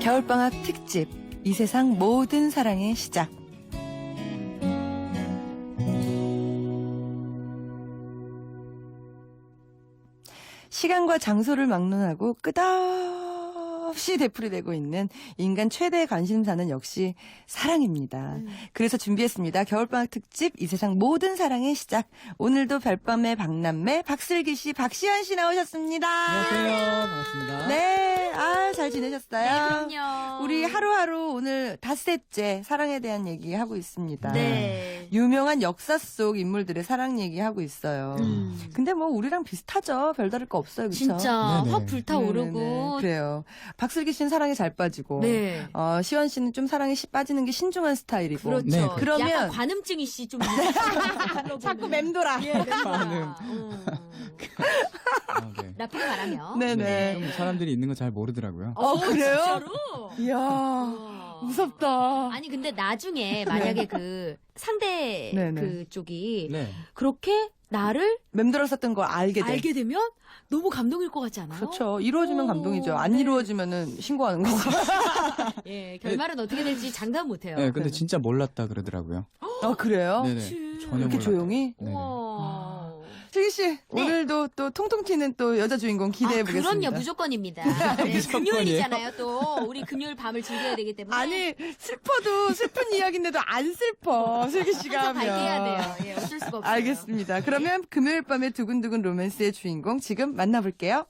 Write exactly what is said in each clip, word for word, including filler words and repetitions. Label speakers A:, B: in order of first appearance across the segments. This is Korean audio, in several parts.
A: 겨울방학 특집 이 세상 모든 사랑의 시작. 시간과 장소를 막론하고 끝없이 되풀이되고 있는 인간 최대 관심사는 역시 사랑입니다. 음. 그래서 준비했습니다. 겨울방학 특집 이 세상 모든 사랑의 시작. 오늘도 별밤의 박남매 박슬기 씨, 박시연 씨 나오셨습니다.
B: 안녕하세요. 반갑습니다.
A: 네, 아, 잘 지내셨어요?
C: 네, 그럼요.
A: 우리 하루하루 오늘 닷새째 사랑에 대한 얘기 하고 있습니다.
C: 네.
A: 유명한 역사 속 인물들의 사랑 얘기하고 있어요.
C: 음.
A: 근데 뭐 우리랑 비슷하죠. 별다를 거 없어요. 그렇죠?
C: 진짜
B: 네네.
C: 확 불타오르고.
A: 그래요. 박슬기 씨는 사랑에 잘 빠지고
C: 네.
A: 어, 시원 씨는 좀 사랑에 시 빠지는 게 신중한 스타일이고.
C: 그렇죠.
B: 네,
A: 그러면
C: 약간 관음증이 씨 좀
A: 자꾸 맴돌아.
C: 예, 맴돌아.
B: 관음.
C: 음.
B: 아, 네.
C: 나쁘게 말하면.
A: 네네.
B: 좀 사람들이 있는 거 잘 모르더라고요.
A: 어, 그래요?
C: 진짜로?
A: 이야,
C: 우와.
A: 무섭다.
C: 아니 근데 나중에 만약에 그 상대
A: 네네.
C: 그쪽이
B: 네.
C: 그렇게 나를
A: 맴돌았었던 걸 알게 돼.
C: 알게 되면 너무 감동일 것 같지 않아요?
A: 그렇죠. 이루어지면
C: 오,
A: 감동이죠. 안
C: 네.
A: 이루어지면은 신고하는 거고.
C: 예, 결말은 어떻게 될지 장담 못해요.
B: 네, 근데 진짜 몰랐다 그러더라고요.
A: 어, 그래요?
B: 네네.
C: 그치.
B: 전혀
A: 이렇게
B: 몰랐다.
A: 조용히?
B: 네네.
C: 우와.
A: 슬기 씨, 오늘도 또 통통 튀는 또 여자 주인공 기대해
C: 아,
A: 보겠습니다.
C: 그럼요, 무조건입니다. 네,
B: 무조건이에요.
C: 금요일이잖아요, 또. 우리 금요일 밤을 즐겨야 되기 때문에.
A: 아니, 슬퍼도 슬픈 이야기인데도 안 슬퍼. 슬기 씨가
C: 항상 밝게
A: 하면.
C: 해야 돼요. 예, 어쩔 수가 없어요.
A: 알겠습니다. 그러면 금요일 밤의 두근두근 로맨스의 주인공 지금 만나볼게요.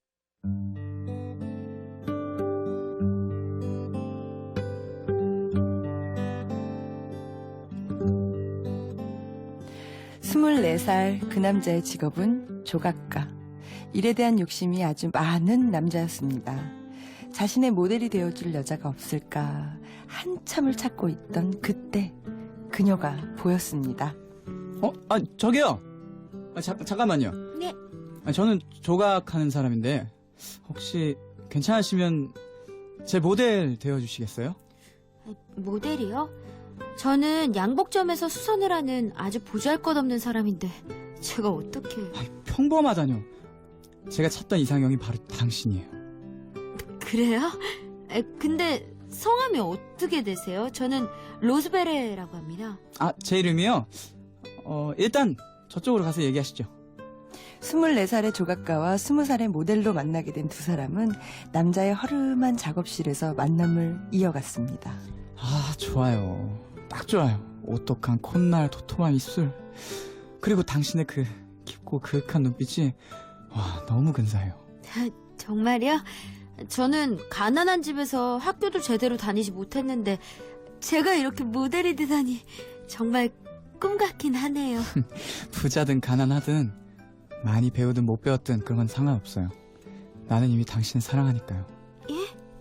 A: 스물네 살 그 남자의 직업은 조각가. 일에 대한 욕심이 아주 많은 남자였습니다. 자신의 모델이 되어줄 여자가 없을까 한참을 찾고 있던 그때 그녀가 보였습니다.
B: 어? 아, 저기요. 아, 자, 잠깐만요.
C: 네.
B: 아, 저는 조각하는 사람인데 혹시 괜찮으시면 제 모델 되어주시겠어요?
C: 모델이요? 저는 양복점에서 수선을 하는 아주 보잘것없는 사람인데 제가 어떻게...
B: 아, 평범하다뇨. 제가 찾던 이상형이 바로 당신이에요.
C: 그래요? 에, 근데 성함이 어떻게 되세요? 저는 로즈베레라고 합니다.
B: 아, 제 이름이요? 어, 일단 저쪽으로 가서 얘기하시죠.
A: 스물네 살의 조각가와 스무 살의 모델로 만나게 된 두 사람은 남자의 허름한 작업실에서 만남을 이어갔습니다.
B: 아, 좋아요. 딱 좋아요. 오똑한 콧날, 도톰한 입술. 그리고 당신의 그 깊고 그윽한 눈빛이 와, 너무 근사해요.
C: 정말요? 저는 가난한 집에서 학교도 제대로 다니지 못했는데 제가 이렇게 모델이 되다니 정말 꿈 같긴 하네요.
B: 부자든 가난하든 많이 배우든 못 배웠든 그런 건 상관없어요. 나는 이미 당신을 사랑하니까요.
C: 예?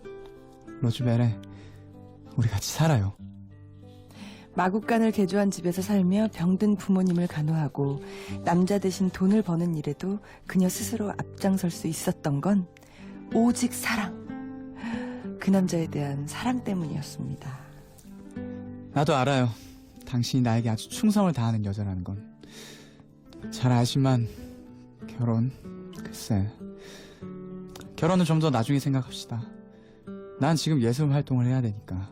B: 로즈베레, 우리 같이 살아요.
A: 마구간을 개조한 집에서 살며 병든 부모님을 간호하고 남자 대신 돈을 버는 일에도 그녀 스스로 앞장설 수 있었던 건 오직 사랑. 그 남자에 대한 사랑 때문이었습니다.
B: 나도 알아요. 당신이 나에게 아주 충성을 다하는 여자라는 건. 잘 알지만 결혼, 글쎄. 결혼은 좀 더 나중에 생각합시다. 난 지금 예술 활동을 해야 되니까.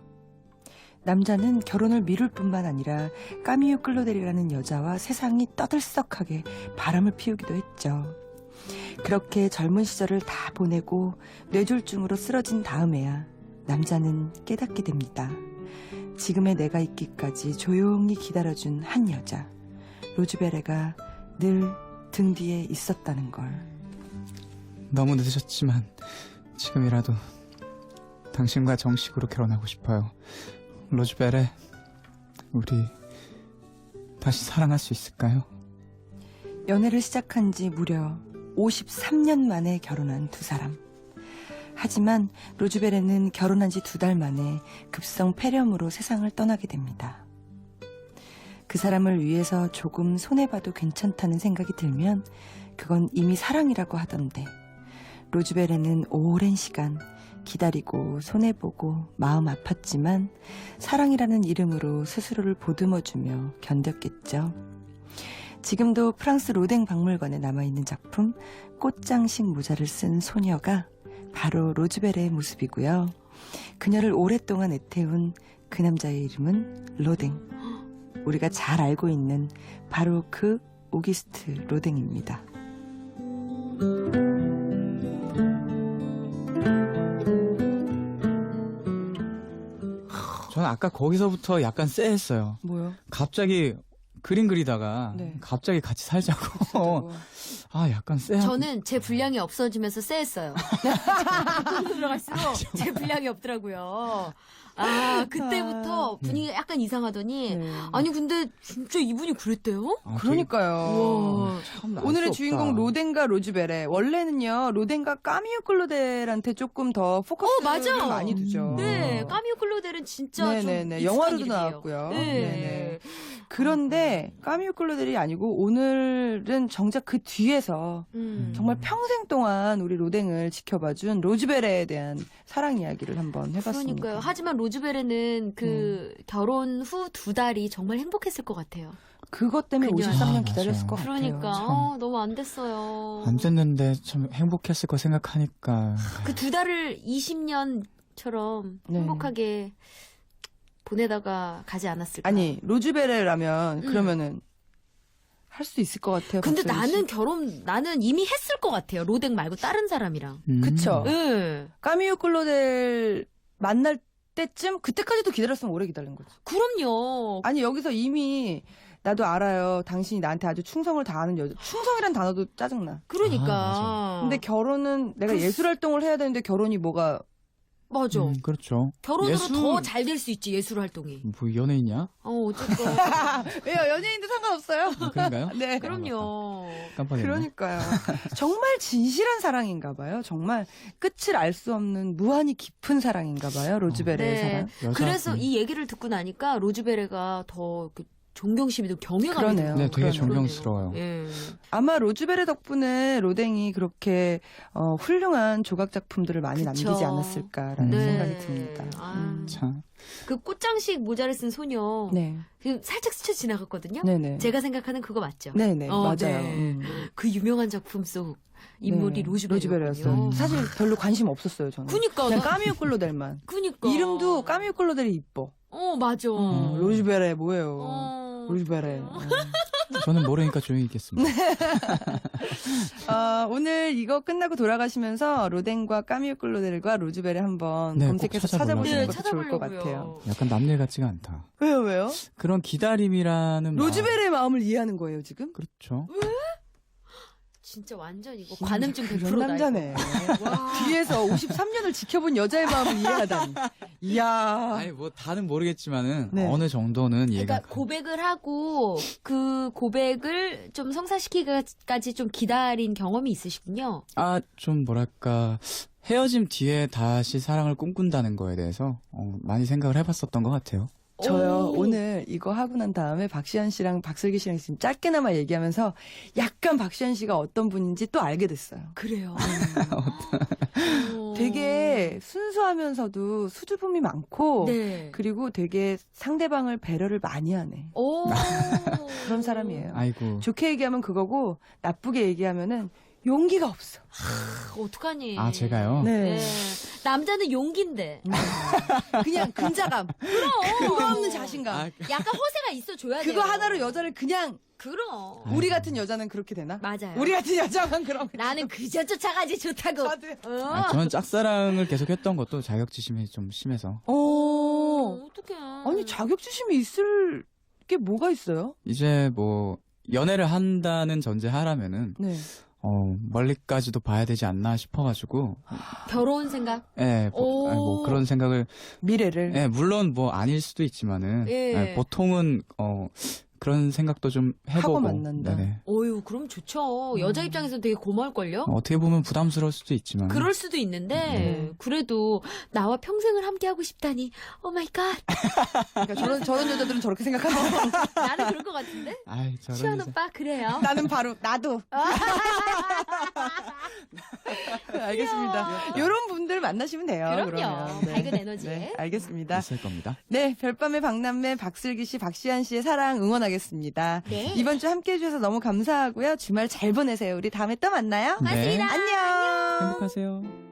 A: 남자는 결혼을 미룰 뿐만 아니라 까미유 클로델이라는 여자와 세상이 떠들썩하게 바람을 피우기도 했죠. 그렇게 젊은 시절을 다 보내고 뇌졸중으로 쓰러진 다음에야 남자는 깨닫게 됩니다. 지금의 내가 있기까지 조용히 기다려준 한 여자, 로즈베레가 늘 등 뒤에 있었다는 걸.
B: 너무 늦으셨지만 지금이라도 당신과 정식으로 결혼하고 싶어요. 로즈베레, 우리 다시 사랑할 수 있을까요?
A: 연애를 시작한 지 무려 오십삼 년 만에 결혼한 두 사람. 하지만 로즈베레는 결혼한 지 두 달 만에 급성 폐렴으로 세상을 떠나게 됩니다. 그 사람을 위해서 조금 손해봐도 괜찮다는 생각이 들면 그건 이미 사랑이라고 하던데 로즈베레는 오랜 시간 기다리고 손해보고 마음 아팠지만 사랑이라는 이름으로 스스로를 보듬어주며 견뎠겠죠. 지금도 프랑스 로댕 박물관에 남아있는 작품 꽃장식 모자를 쓴 소녀가 바로 로즈베레의 모습이고요. 그녀를 오랫동안 애태운 그 남자의 이름은 로댕. 우리가 잘 알고 있는 바로 그 오기스트 로댕입니다.
B: 저는 아까 거기서부터 약간 쎄했어요.
A: 뭐요?
B: 갑자기 그림 그리다가
A: 네.
B: 갑자기 같이 살자고. 아, 약간 쎄하고.
C: 저는 제 분량이 없어지면서 쎄했어요. 들어갈수록 제 분량이 없더라고요. 아, 그때부터 분위기가 약간 이상하더니
A: 네.
C: 아니 근데 진짜 이분이 그랬대요?
B: 아,
A: 그러니까요.
C: 우와.
B: 참 알
A: 오늘의
B: 수 없다.
A: 주인공 로댕과 로즈베레. 원래는요 로댕과 까미오 클로델한테 조금 더 포커스를
C: 맞아.
A: 많이 두죠.
C: 네, 까미오 클로델은 진짜
A: 네네네.
C: 좀
A: 영화로도
C: 익숙한 이름이에요.
A: 나왔고요.
C: 네.
A: 네네. 그런데 까미오 클로델이 아니고 오늘은 정작 그 뒤에서
C: 음.
A: 정말 평생 동안 우리 로댕을 지켜봐준 로즈베레에 대한 사랑 이야기를 한번 해봤습니다.
C: 그러니까요. 하지만 로즈베레는 그 결혼 후 두 달이 정말 행복했을 것 같아요.
A: 그것 때문에
C: 그녀.
A: 오십삼 년
B: 아,
A: 기다렸을
B: 맞아요.
A: 것 같아요.
C: 그러니까
B: 참.
C: 어, 너무 안 됐어요.
B: 안 됐는데 참 행복했을 거 생각하니까.
C: 그 두 달을 이십 년처럼
A: 네.
C: 행복하게 보내다가 가지 않았을까?
A: 아니 로즈베레라면
C: 음.
A: 그러면은 할 수 있을 것 같아요.
C: 근데
A: 박소희 씨.
C: 나는 결혼 나는 이미 했을 것 같아요. 로댕 말고 다른 사람이랑.
B: 음.
A: 그쵸.
C: 예.
A: 까미오 클로델 만날 때쯤 그때까지도 기다렸으면 오래 기다린 거지.
C: 그럼요.
A: 아니 여기서 이미 나도 알아요. 당신이 나한테 아주 충성을 다하는 여자. 충성이란 단어도 짜증나.
C: 그러니까.
B: 아,
A: 근데 결혼은 내가
C: 그-
A: 예술 활동을 해야 되는데 결혼이 뭐가
C: 맞아.
B: 음, 그렇죠.
C: 결혼으로
B: 예술-
C: 더 잘 될 수 있지 예술 활동이.
B: 뭐 연예인이야?
C: 어 어쨌건
A: 왜요? 연예인도 상관없어요.
B: 아, 그런가요?
A: 네.
C: 그럼요.
B: 깜빡했네.
A: 그러니까요. 정말 진실한 사랑인가 봐요. 정말 끝을 알 수 없는 무한히 깊은 사랑인가 봐요. 로즈베레의
C: 네.
A: 사랑.
B: 여자-
C: 그래서
B: 음.
C: 이 얘기를 듣고 나니까 로즈베레가 더 그 존경심이 더 경외감이
A: 그러네요.
C: 들어요.
B: 네, 되게
A: 그러네요.
B: 존경스러워요.
C: 예.
A: 아마 로즈베레 덕분에 로댕이 그렇게 어, 훌륭한 조각 작품들을 많이
C: 그쵸.
A: 남기지 않았을까라는
B: 네.
A: 생각이 듭니다.
C: 아.
A: 음.
B: 참.
C: 그 꽃장식 모자를 쓴 소녀
A: 네,
C: 그 살짝 스쳐 지나갔거든요.
A: 네네.
C: 제가 생각하는 그거 맞죠?
A: 네네
C: 어,
A: 맞아요.
C: 네.
A: 음.
C: 그 유명한 작품 속 인물이
A: 네,
C: 로즈베리였거든요.
A: 로즈베리였어요. 사실 별로 관심 없었어요 저는.
C: 그니까
A: 그냥
C: 나-
A: 까미오 클로델만.
C: 그니까
A: 이름도 까미오 클로델이 이뻐.
C: 어 맞아.
A: 음, 로즈베레 뭐예요?
C: 어.
A: 로즈베레. 어.
B: 저는 모르니까 조용히 있겠습니다.
A: 어, 오늘 이거 끝나고 돌아가시면서 로댕과 까미오 클로델과 로즈베레 한번
B: 네, 꼭
A: 검색해서
B: 찾아보려고요.
A: 찾아보시는
C: 네,
A: 것도 좋을 것
C: 찾아보려고요.
A: 같아요.
B: 약간 남일 같지가 않다.
A: 왜요 왜요?
B: 그런 기다림이라는
A: 로즈베레의 마음을 이해하는 거예요 지금?
B: 그렇죠.
C: 진짜 완전 이거 관음증 백
A: 그런
C: 퍼센트다.
A: 남자네.
C: 와.
A: 뒤에서 오십삼 년을 지켜본 여자의 마음을 이해하다니. 이야.
B: 아니 뭐 다는 모르겠지만은
A: 네.
B: 어느 정도는 이해가.
C: 그러니까 고백을 하고 그 고백을 좀 성사시키기까지 좀 기다린 경험이 있으시군요.
B: 아, 좀 뭐랄까 헤어짐 뒤에 다시 사랑을 꿈꾼다는 거에 대해서 어, 많이 생각을 해봤었던 것 같아요.
A: 저요
C: 오.
A: 오늘 이거 하고 난 다음에 박시현 씨랑 박슬기 씨랑 지금 짧게나마 얘기하면서 약간 박시현 씨가 어떤 분인지 또 알게 됐어요.
C: 그래요. 어.
A: 되게 순수하면서도 수줍음이 많고
C: 네.
A: 그리고 되게 상대방을 배려를 많이 하네.
C: 오.
A: 그런 사람이에요.
B: 아이고.
A: 좋게 얘기하면 그거고 나쁘게 얘기하면은 용기가 없어.
C: 아, 어떡하니.
B: 아, 제가요?
A: 네.
C: 네. 남자는 용기인데.
A: 그냥 근자감.
C: 그럼.
A: 근거 없는 자신감.
B: 아,
C: 약간 허세가 있어 줘야 돼요.
A: 그거 하나로 여자를 그냥
C: 그럼.
B: 아이고.
A: 우리 같은 여자는 그렇게 되나?
C: 맞아요.
A: 우리 같은 여자만 그럼.
C: 나는 그저 쫓아가지 좋다고.
A: 저도요.
C: 어.
B: 아, 저는 짝사랑을 계속했던 것도 자격지심이 좀 심해서
A: 어.
C: 어떡해.
A: 아니 자격지심이 있을 게 뭐가 있어요?
B: 이제 뭐 연애를 한다는 전제하라면은
A: 네.
B: 어, 멀리까지도 봐야 되지 않나 싶어가지고
C: 결혼 생각?
B: 예, 뭐,
C: 오.
B: 아니, 뭐 그런 생각을
A: 미래를.
B: 예, 물론 뭐 아닐 수도 있지만은
C: 예.
B: 예, 보통은 어 그런 생각도 좀 해보고
A: 하고 만난다.
B: 네네.
C: 어유, 그럼 좋죠. 여자 입장에서는 되게 고마울걸요?
B: 어, 어떻게 보면 부담스러울 수도 있지만
C: 그럴 수도 있는데,
A: 네.
C: 그래도 나와 평생을 함께하고 싶다니, 오 마이 갓.
A: 그러니까 저런 저런 여자들은 저렇게 생각하는.
C: 나는 그럴 것 같은데?
B: 아이 저런
C: 시원
B: 여자.
C: 오빠, 그래요?
A: 나는 바로 나도. 알겠습니다. 이런 분들 만나시면 돼요.
C: 그럼요.
A: 그러면. 네.
C: 밝은 에너지.
A: 네, 알겠습니다.
B: 있을 겁니다.
A: 네, 별밤의 박남매, 박슬기 씨, 박시안 씨의 사랑 응원하겠습니다.
C: 네.
A: 이번 주 함께 해주셔서 너무 감사하고요. 주말 잘 보내세요. 우리 다음에 또 만나요.
B: 네.
A: 안녕.
B: 행복하세요.